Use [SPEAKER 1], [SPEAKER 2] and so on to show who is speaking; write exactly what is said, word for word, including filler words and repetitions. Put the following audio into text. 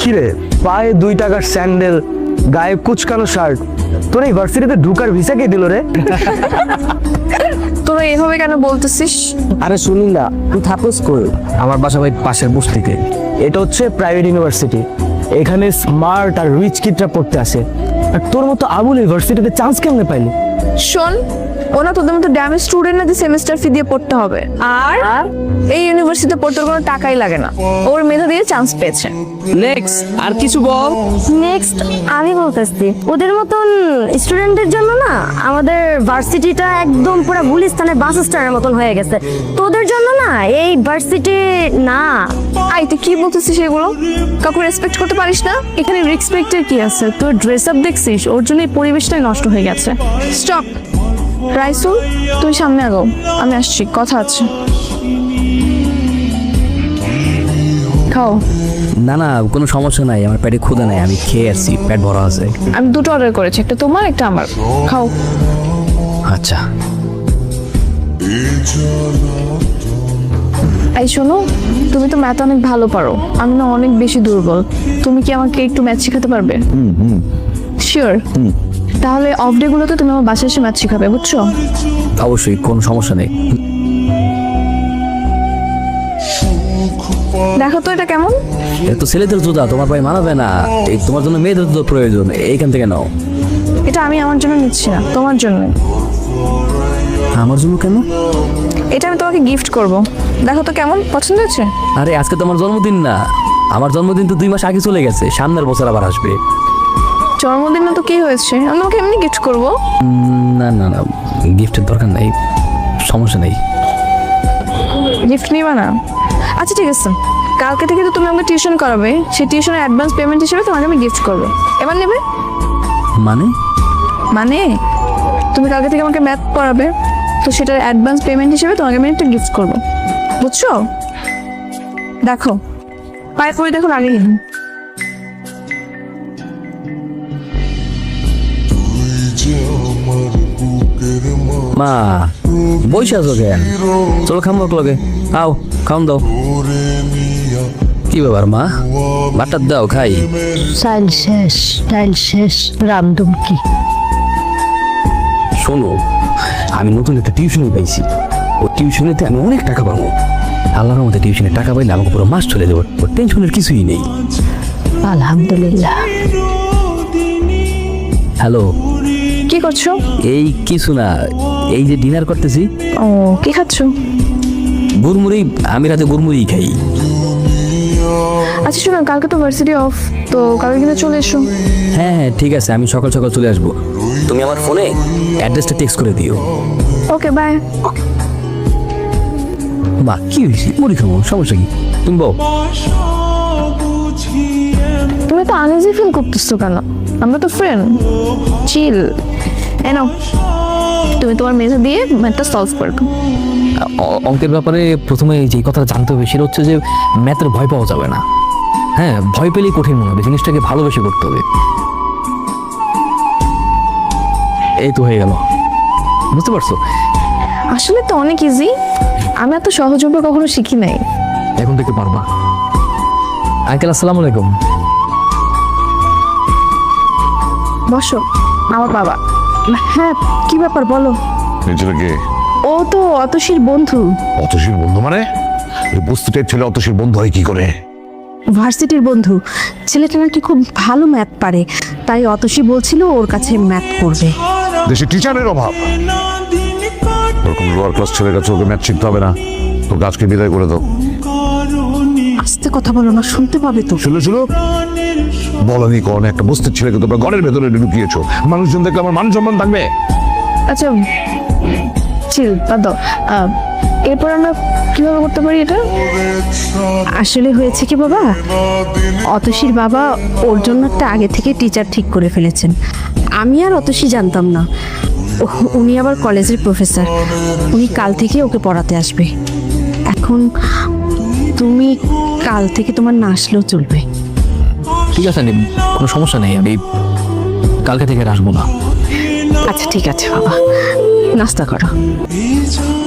[SPEAKER 1] কিরে, পায়ে দুই টাকার স্যান্ডেল, গায়ে কুচকানো শার্ট, তোর এই ভার্সিটিতে ঢুকার ভিসা কে দিল রে?
[SPEAKER 2] তোরা এভাবে কেন বলতেছিস?
[SPEAKER 1] আরে শুনি না, তুই থাকস কই? আমার বাসা ভাই পাশের বস্তিতে। এটা হচ্ছে প্রাইভেট ইউনিভার্সিটি, এখানে স্মার্ট আর রিচ কিডরা পড়তে আসে। আর তোর মতো আবুল ইউনিভার্সিটিতে চান্স কেমনে পাইলি?
[SPEAKER 2] শোন, ওনা তোদের মতো ড্যামেজ স্টুডেন্ট না যে সেমিস্টার ফি দিয়ে পড়তে হবে। আর এই ইউনিভার্সিটিতে পড়তে কোনো টাকাই লাগে না, ওর মেধা দিয়ে চান্স পেয়েছে।
[SPEAKER 3] নেক্সট আর কিছু বল।
[SPEAKER 4] নেক্সট আমি বলতেছি, ওদের মতন স্টুডেন্টদের জন্য না আমাদের ভার্সিটিটা একদম পুরো গুলিস্তানের বাস স্ট্যান্ডের মতন হয়ে গেছে। তোদের জন্য না এই ভার্সিটি না।
[SPEAKER 2] আই তুই কি বলতেছিস এগুলো? কাউকে রেসপেক্ট করতে পারিস না?
[SPEAKER 5] এখানে রেসপেক্টের কি আছে? তোর ড্রেস আপ দেখছিস, ওর জন্য এই পরিবেশটাই নষ্ট হয়ে গেছে।
[SPEAKER 2] স্টপ। রাইসুল, তুই সামনে আগাও, আমি আসছি, কথা আছে। খাও।
[SPEAKER 3] না না, কোনো সমস্যা নাই, আমার পেটে ক্ষুধা নাই, আমি খেয়ে আসছি, পেট ভরা আছে।
[SPEAKER 2] আমি দুটো অর্ডার করেছি, একটা তোমার একটা আমার। খাও।
[SPEAKER 3] আচ্ছা।
[SPEAKER 2] এই শোনো, তুমি তো ম্যাথ অনেক ভালো পারো, আমি না অনেক বেশি দুর্বল। তুমি কি আমাকে একটু ম্যাথ শেখাতে পারবে? শিওর? তাহলে অফ ডে গুলোতে তুমি আমার বাসায় এসে ম্যাথ শেখাবে, বুঝছো?
[SPEAKER 3] অবশ্যই, কোনো সমস্যা নেই।
[SPEAKER 2] দেখো তো এটা কেমন?
[SPEAKER 3] এটা তো ছেলেদের জুতা, তোমার পায়ে মানাবে না, এই তোমার জন্য মেয়েদের জুতো প্রয়োজন, এইখান থেকে নাও।
[SPEAKER 2] এটা আমি আমার জন্য নিচ্ছি না, তোমার জন্য।
[SPEAKER 3] আমার জন্য কেন?
[SPEAKER 2] এটা আমি তোমাকে গিফট করব, দেখো তো কেমন, পছন্দ হয়েছে?
[SPEAKER 3] আরে আজকে তো আমার জন্মদিন না, আমার জন্মদিন তো দুই মাস আগে চলে গেছে, সামনের বছর আবার আসবে।
[SPEAKER 2] জন্মদিন না তো কি হয়েছে, আমি তোমাকে এমনি গিফট করব।
[SPEAKER 3] না না না, গিফটের দরকার নাই, সমস্যা নেই।
[SPEAKER 2] গিফট নিবা না? আচ্ছা ঠিক আছে, কালকে থেকে তো তুমি আমাকে টিউশন করাবে, সেই টিউশনের অ্যাডভান্স পেমেন্ট হিসেবে তোমাকে আমি গিফট করবো। এবার নেবে?
[SPEAKER 3] মানে?
[SPEAKER 2] মানে তুমি কালকে থেকে আমাকে ম্যাথ পড়াবে, তো সেটার অ্যাডভান্স পেমেন্ট হিসেবে তোমাকে আমি একটা গিফট করবো, বুঝছো? দেখো পায়ে পরে দেখো, আগে
[SPEAKER 3] মা বইসা আছো কেন? চলো খামো লগে, আও খাওন দাও। কি ব্যাপার মা, ভাতটা দাও খাই।
[SPEAKER 4] চাইল শেষ, ডাইল শেষ, রামদম কি?
[SPEAKER 3] শোনো, আমি নতুন একটা টিউশনি পাইছি, ও টিউশনিতে আমি অনেক টাকা পাবো। আল্লাহর মধ্যে টিউশনে টাকা পাইলে আমাকে পুরো মাস চলে দেবো, ওর টেনশনের কিছুই নেই।
[SPEAKER 4] আলহামদুলিল্লাহ।
[SPEAKER 3] হ্যালো,
[SPEAKER 2] কি করছো?
[SPEAKER 3] এই কিছু না, এই যে ডিনার করতেছি।
[SPEAKER 2] ও, কি খাচ্ছো?
[SPEAKER 3] গুড়মুড়ি, আমি রাতে গুড়মুড়ি খাই।
[SPEAKER 2] আচ্ছা শোনো, কালকে তো ভার্সিটি অফ, তো কালকে কিন্তু চলে এসো।
[SPEAKER 3] হ্যাঁ হ্যাঁ ঠিক আছে, আমি সকাল সকাল চলে আসবো, তুমি আমার ফোনে অ্যাড্রেসটা টেক্সট করে দিও।
[SPEAKER 2] Okay bye.
[SPEAKER 3] মা কি হয়েছে, মুড়ি খাবো, সমস্যা কি? তুমি বল।
[SPEAKER 2] তুমি তো আনইজি ফিল করতেছো কেন? আমরা তো ফ্রেন্ড, চিল। এনো, তুমি তোমার মেধা দিয়ে ম্যাথটা সলভ করবে।
[SPEAKER 3] অ- অঙ্কের ব্যাপারে প্রথমে যে কথাটা জানতে হবে সেটা হচ্ছে যে ম্যাথের ভয় পাওয়া যাবে না। হ্যাঁ, ভয় পেলেই কঠিন মনে হবে, জিনিসটাকে ভালোবেসে করতে হবে। এই তো হয়ে গেল, বুঝতে পারছো?
[SPEAKER 2] আসলে তো অনেক ইজি, আমি এত সহজভাবে কখনো শিখি নাই।
[SPEAKER 3] এখন থেকে পারবা। আঙ্কেল আসসালামু আলাইকুম।
[SPEAKER 2] বসো, আমার বাবা। হ্যাঁ, কি ব্যাপার বলো?
[SPEAKER 6] এই ছেলেকে
[SPEAKER 2] ও তো অতসীর বন্ধু।
[SPEAKER 6] অতসীর বন্ধু মানে? এই বস্তুটার ছেলে অতসীর বন্ধু হয় কি করে?
[SPEAKER 4] ভার্সিটির বন্ধু, ছেলেটা নাকি খুব ভালো ম্যাথ পারে, তাই অতসী বলছিল ওর কাছে ম্যাথ করবে।
[SPEAKER 6] দেশে টিচারের অভাব, ওরকম লোয়ার ক্লাস ছেলের কাছে ওকে ম্যাথ শিখতে হবে না, তোর গাছকে বিদায় করে দাও।
[SPEAKER 4] আস্তে কথা বলো না, শুনতে পাবে তো।
[SPEAKER 6] শুনো শুনো, বলনি কোন একটা বস্তির ছেলেকে তোমরা ঘরের ভেতরে ঢুকিয়েছো, মানুষজন দেখলে আমার মান সম্মান থাকবে?
[SPEAKER 2] আচ্ছা চিল, বাদ দাও। আহ, এরপর আমরা কিভাবে করতে পারি এটা?
[SPEAKER 4] আসলে হয়েছে কি বাবা, অতসীর বাবা ওর জন্য একটা আগে থেকে টিচার ঠিক করে ফেলেছেন। আমি আর অতসী জানতাম না, ও- উনি আবার কলেজের প্রফেসর, উনি কাল থেকে ওকে পড়াতে আসবে। এখন তুমি কাল থেকে তোমার না আসলেও চলবে।
[SPEAKER 3] ঠিক আছে, কোনো সমস্যা নেই, আমি কালকে থেকে আর আসবো না।
[SPEAKER 4] আচ্ছা ঠিক আছে বাবা, নাস্তা করো।